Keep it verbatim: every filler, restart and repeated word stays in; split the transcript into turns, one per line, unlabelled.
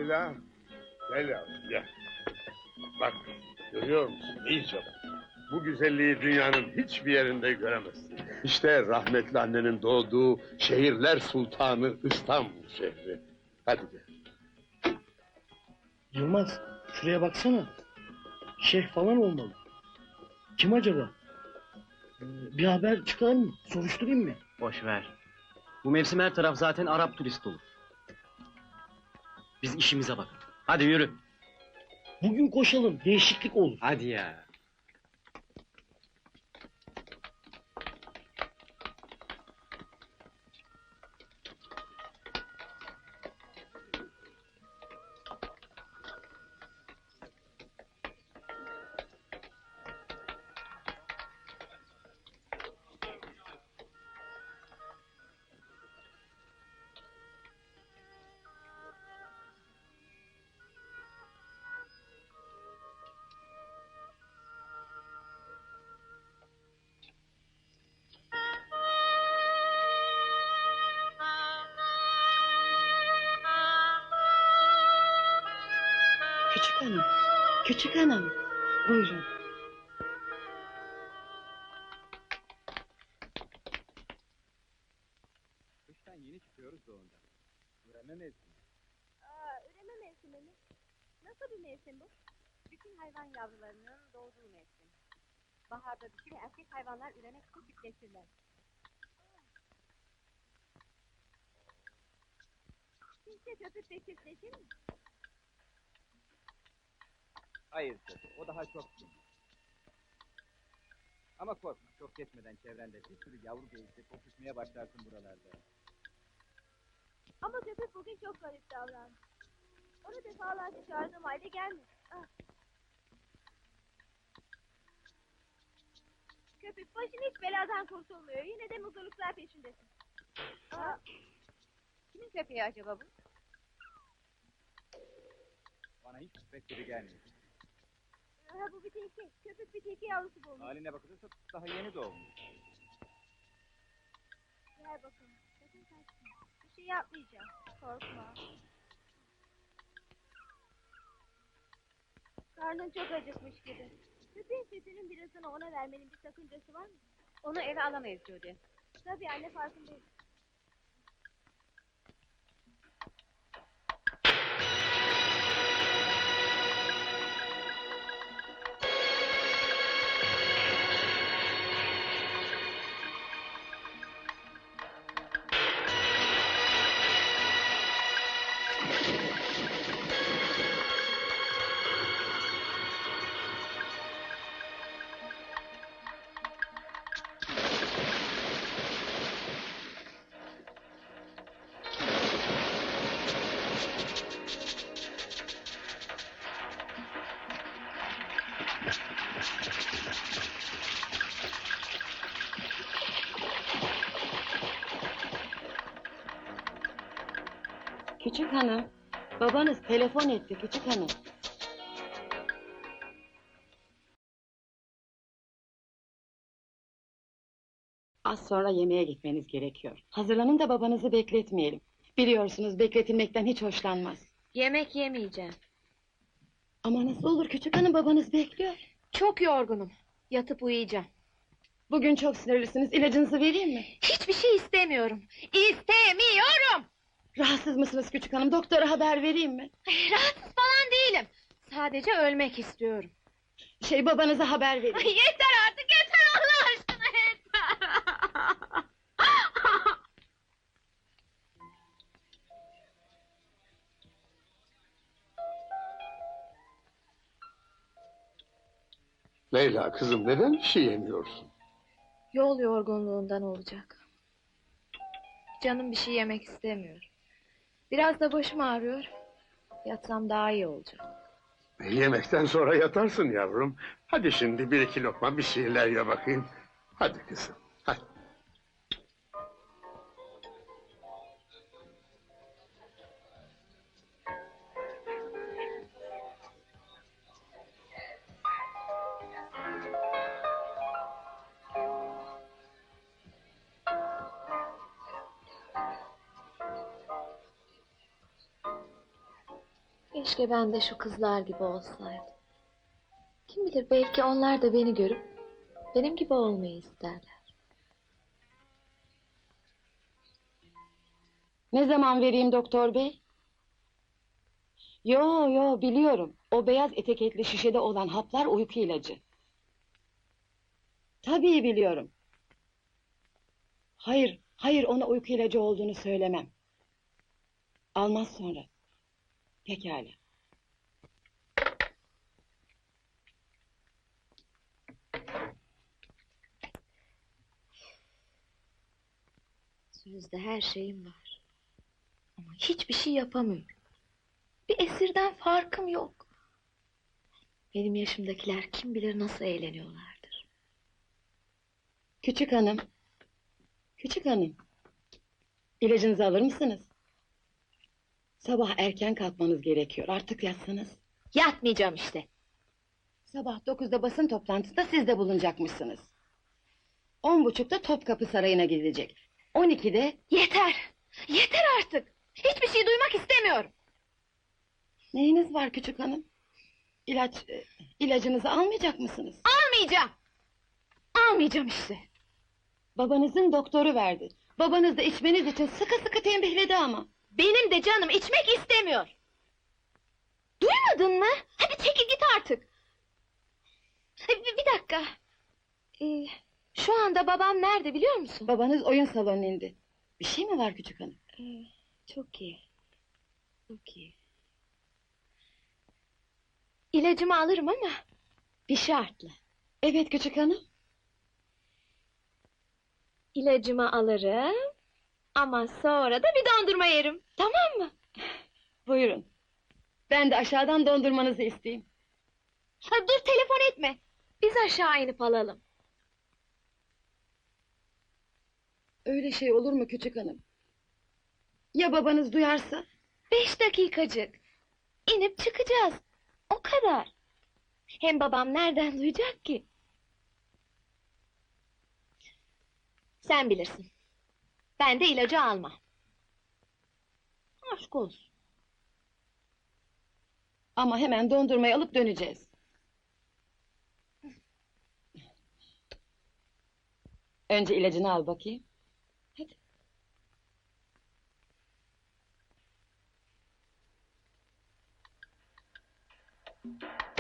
Leyla, gel yavrum gel. Bak, görüyor musun? İyice bak. Bu güzelliği dünyanın hiçbir yerinde göremezsin. İşte rahmetli annenin doğduğu şehirler sultanı İstanbul şehri. Hadi gel.
Yılmaz, şuraya baksana. Şeyh falan olmalı. Kim acaba? Ee, bir haber çıkar mı? Soruşturayım mı?
Boş ver. Bu mevsim her taraf zaten Arap turist dolu. Biz işimize bakalım. Hadi yürü.
Bugün koşalım, değişiklik olur.
Hadi ya.
Küçük hanım, küçük hanım. Buyurun.
Kıştan yeni çıkıyoruz da ondan. Üreme mevsimi.
Aa, üreme mevsimi mi? Nasıl bir mevsim bu? Bütün hayvan yavrularının doğduğu mevsim. Baharda dişi ve erkek hayvanlar üremek için çiftleşirler. Cinse köpükle çiftleşir mi?
Hayır tabii, o daha çok gün. Ama korkma, çok geçmeden çevrende bir sürü yavru geyikle kokuşmaya başlarsın buralarda.
Ama köpük bugün çok garip davrandı. Onu defalarca çağırdığım halde gelmedi. Ah. Köpük başın hiç beladan kurtulmuyor. Yine de mutluluklar peşindesin. Aa. Kimin köpeği acaba bu?
Bana hiç pek biri gelmiyor.
Ha, bu bir tilki. Köpük bir tilki yavrusu bulmuş.
Haline bakılırsa daha yeni doğmuş.
Gel bakalım. Sakın kaçma. Bir şey yapmayacağım. Korkma. Karnın çok acıkmış gibi. Köpeğin sütünün birazını ona vermenin bir sakıncası var mı? Onu eve alamayız Judy. Tabii anne, farkındayım.
Küçük hanım, babanız telefon etti küçük hanım. Az sonra yemeğe gitmeniz gerekiyor. Hazırlanın da babanızı bekletmeyelim. Biliyorsunuz bekletilmekten hiç hoşlanmaz.
Yemek yemeyeceğim.
Ama nasıl olur küçük hanım, babanız bekliyor.
Çok yorgunum. Yatıp uyuyacağım.
Bugün çok sinirlisiniz, ilacınızı vereyim mi?
Hiçbir şey istemiyorum. İstemiyorum.
Rahatsız mısınız küçük hanım, doktora haber vereyim mi?
Rahatsız falan değilim. Sadece ölmek istiyorum.
Şey, babanıza haber vereyim.
Ay, yeter artık, yeter Allah aşkına, yeter.
Leyla kızım, neden bir şey yemiyorsun?
Yol yorgunluğundan olacak. Canım bir şey yemek istemiyor. Biraz da başım ağrıyor. Yatsam daha iyi olacak.
Yemekten sonra yatarsın yavrum. Hadi şimdi bir iki lokma bir şeyler ye bakayım. Hadi kızım, hadi.
Keşke ben de şu kızlar gibi olsaydım. Kim bilir, belki onlar da beni görüp benim gibi olmayı isterler.
Ne zaman vereyim doktor bey? Yo yo biliyorum. O beyaz etiketli şişede olan haplar uyku ilacı. Tabii biliyorum. Hayır, hayır ona uyku ilacı olduğunu söylemem. Almaz sonra. Pekala.
Sözde her şeyim var. Ama hiçbir şey yapamıyorum. Bir esirden farkım yok. Benim yaşımdakiler kim bilir nasıl eğleniyorlardır.
Küçük hanım. Küçük hanım. İlacınızı alır mısınız? Sabah erken kalkmanız gerekiyor. Artık yatsanız.
Yatmayacağım işte.
Sabah dokuzda basın toplantısında siz de bulunacakmışsınız. On buçukta Topkapı Sarayı'na gidilecek. On ikide...
Yeter! Yeter artık! Hiçbir şey duymak istemiyorum.
Neyiniz var küçük hanım? İlaç, e, ilacınızı almayacak mısınız?
Almayacağım! Almayacağım işte.
Babanızın doktoru verdi. Babanız da içmeniz için sıkı sıkı tembihledi ama.
Benim de canım içmek istemiyor. Duymadın mı? Hadi çekil git artık. Bir, bir dakika. Ee, şu anda babam nerede biliyor musun?
Babanız oyun salonuna indi. Bir şey mi var küçük hanım?
Ee, çok iyi. Çok iyi. İlacımı alırım ama bir şartla.
Evet küçük hanım.
İlacımı alırım ama sonra da bir dondurma yerim. Tamam mı?
Buyurun. Ben de aşağıdan dondurmanızı isteyeyim.
Ha, dur telefon etme. Biz aşağı inip alalım.
Öyle şey olur mu küçük hanım? Ya babanız duyarsa?
Beş dakikacık. İnip çıkacağız. O kadar. Hem babam nereden duyacak ki? Sen bilirsin. Ben de ilacı almam. Aşk olsun.
Ama hemen dondurmayı alıp döneceğiz. Önce ilacını al bakayım. Hadi.